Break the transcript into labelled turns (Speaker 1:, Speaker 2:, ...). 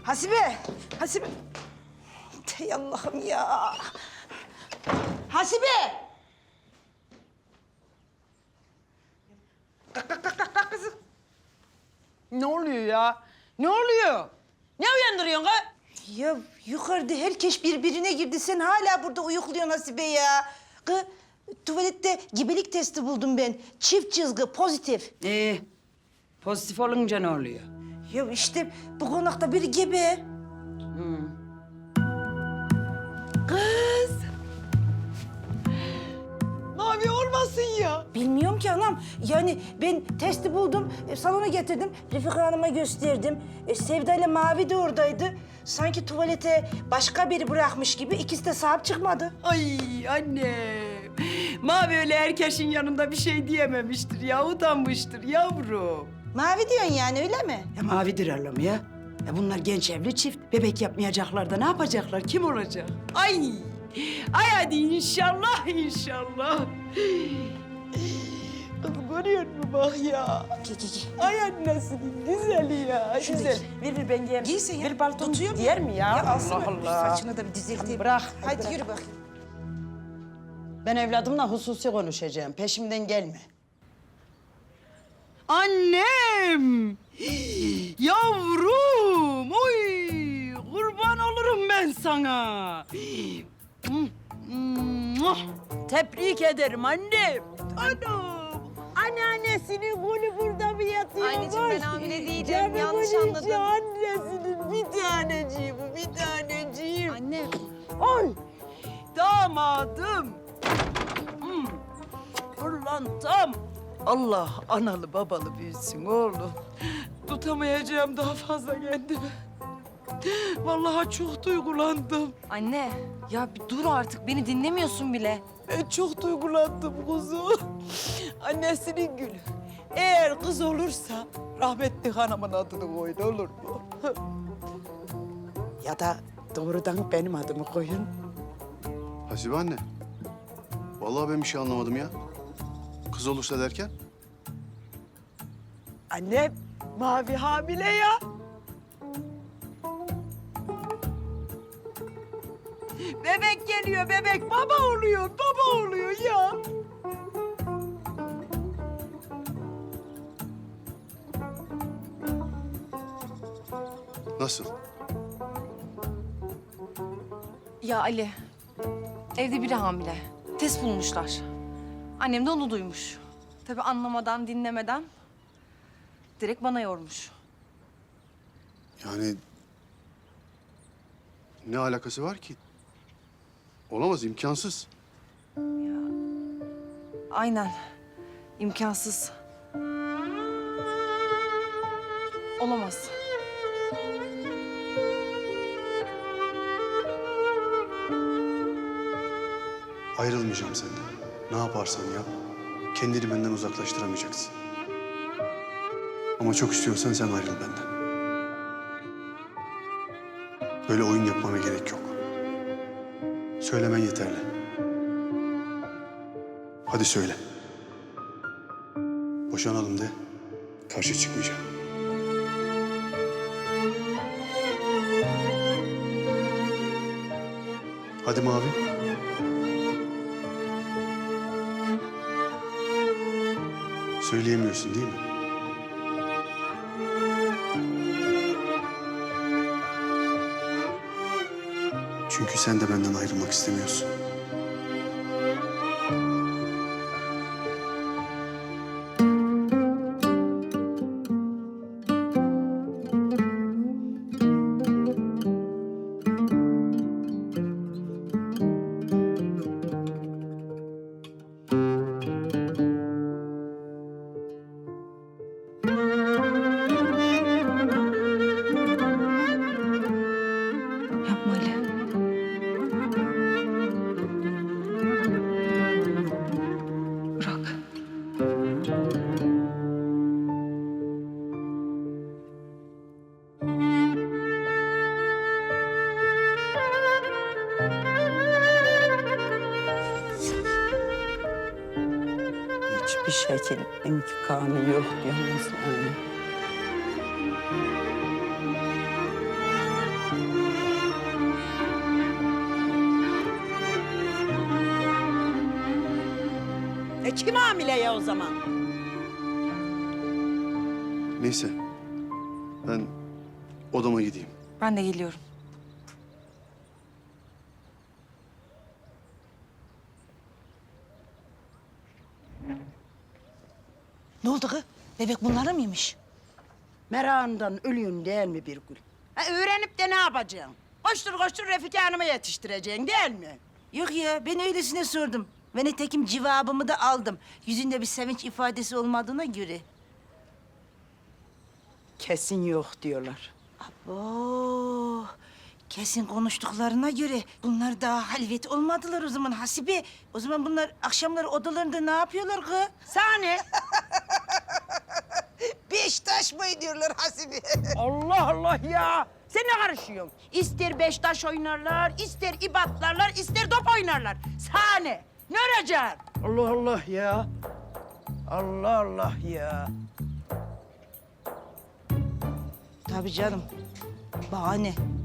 Speaker 1: Hasibe, Hasibe. Ey Allah'ım ya. Hasibe! Kalk kızım.
Speaker 2: Ne oluyor ya? Ne oluyor? Ne uyandırıyorsun ha?
Speaker 1: Ya yukarıda herkes birbirine girdi. Sen hala burada uyukluyorsun Hasibe ya. Kız, tuvalette gebelik testi buldum ben. Çift çizgi, pozitif.
Speaker 2: Pozitif olunca ne oluyor?
Speaker 1: Ya işte bu konakta biri gebe.
Speaker 2: Kız! Mavi olmasın ya.
Speaker 1: Bilmiyorum ki anam. Yani ben testi buldum, salona getirdim. Refika Hanım'a gösterdim. Sevda ile Mavi de oradaydı. Sanki tuvalete başka biri bırakmış gibi ikisi de sahip çıkmadı.
Speaker 2: Ay annem. Mavi öyle herkesin yanında bir şey diyememiştir ya, utanmıştır yavrum.
Speaker 1: Mavi diyorsun yani öyle mi?
Speaker 2: Ya mavidir Allah'ım ya. Ya bunlar genç evli çift. Bebek yapmayacaklar da ne yapacaklar? Kim olacak? Ay! Ay hadi inşallah, inşallah. Kız görüyor musun bak ya?
Speaker 1: Giy.
Speaker 2: Ay annesinin güzeli ya.
Speaker 1: Şunu
Speaker 2: Güzel.
Speaker 1: giy.
Speaker 2: Ver ben giyeyim.
Speaker 1: Giysin ya.
Speaker 2: Bir palton
Speaker 1: Tutuyor mu?
Speaker 2: giyer mi ya?
Speaker 1: Ya alsana.
Speaker 2: Allah Allah.
Speaker 1: Saçını da bir düzelteyim.
Speaker 2: Bırak.
Speaker 1: Hadi
Speaker 2: bırak.
Speaker 1: yürü bakayım.
Speaker 2: Ben evladımla hususi konuşacağım. Peşimden gelme. Annem! Yavrum! Oy! Kurban olurum ben sana. Tebrik ederim annem. Anam! Anneannesinin golü burada mı yatıyor?
Speaker 3: Anneciğim, ben hamile değilim. Yanlış anladın.
Speaker 2: Annesinin bir taneciği bu, bir taneciğim.
Speaker 3: Anne.
Speaker 2: Oy! Damadım! Pırlantam! Allah analı babalı büyüsün oğlum. Tutamayacağım daha fazla kendimi. Vallahi çok duygulandım.
Speaker 3: Anne, ya bir dur artık. Beni dinlemiyorsun bile.
Speaker 2: Ben çok duygulandım kuzu. Annesinin gülü. Eğer kız olursa rahmetli hanımın adını koyun, olur mu? Ya da doğrudan benim adımı koyun.
Speaker 4: Hasibe anne. Vallahi ben bir şey anlamadım ya. Kız olursa derken?
Speaker 2: Annem Mavi hamile ya. Bebek geliyor, bebek baba oluyor, baba oluyor ya.
Speaker 4: Nasıl?
Speaker 3: Ya Ali, evde biri hamile. Test bulmuşlar. Annem de onu duymuş. Tabii anlamadan, dinlemeden direkt bana yormuş.
Speaker 4: Yani ne alakası var ki? Olamaz, imkansız.
Speaker 3: Aynen. İmkansız. Olamaz.
Speaker 4: Ayrılmayacağım senden. Ne yaparsan yap, kendini benden uzaklaştıramayacaksın. Ama çok istiyorsan sen ayrıl benden. Böyle oyun yapmana gerek yok. Söylemen yeterli. Hadi söyle. Boşanalım de, karşı çıkmayacağım. Hadi Mavi. Söyleyemiyorsun değil mi? Çünkü sen de benden ayrılmak istemiyorsun.
Speaker 3: Yapma Ali. Bırak.
Speaker 2: Hiçbir şekil imkanı yok yalnız yani. Kim hamile ya o zaman?
Speaker 4: Neyse. Ben odama gideyim.
Speaker 3: Ben de geliyorum.
Speaker 1: Ne oldu kız? Bebek bunlara mıymış?
Speaker 2: Merakından ölüyün değil mi bir gül? Öğrenip de ne yapacaksın? Koştur koştur Refika Hanım'a yetiştireceksin değil mi?
Speaker 1: Yok ya, ben öylesine sordum. Ve nitekim cevabımı da aldım. Yüzünde bir sevinç ifadesi olmadığına göre.
Speaker 2: Kesin yok diyorlar.
Speaker 1: Oo, kesin konuştuklarına göre bunlar daha halvet olmadılar o zaman Hasibe. O zaman bunlar akşamları odalarında ne yapıyorlar kız?
Speaker 2: Sani.
Speaker 1: Beştaş mı ediyorlar Hasibe?
Speaker 2: Allah Allah ya. Sen ne karışıyorsun? İster beştaş oynarlar, ister ibatlarlar, ister top oynarlar. Sani. Ne olacak? Allah Allah ya. Allah Allah ya.
Speaker 1: Tabii canım. Bahane.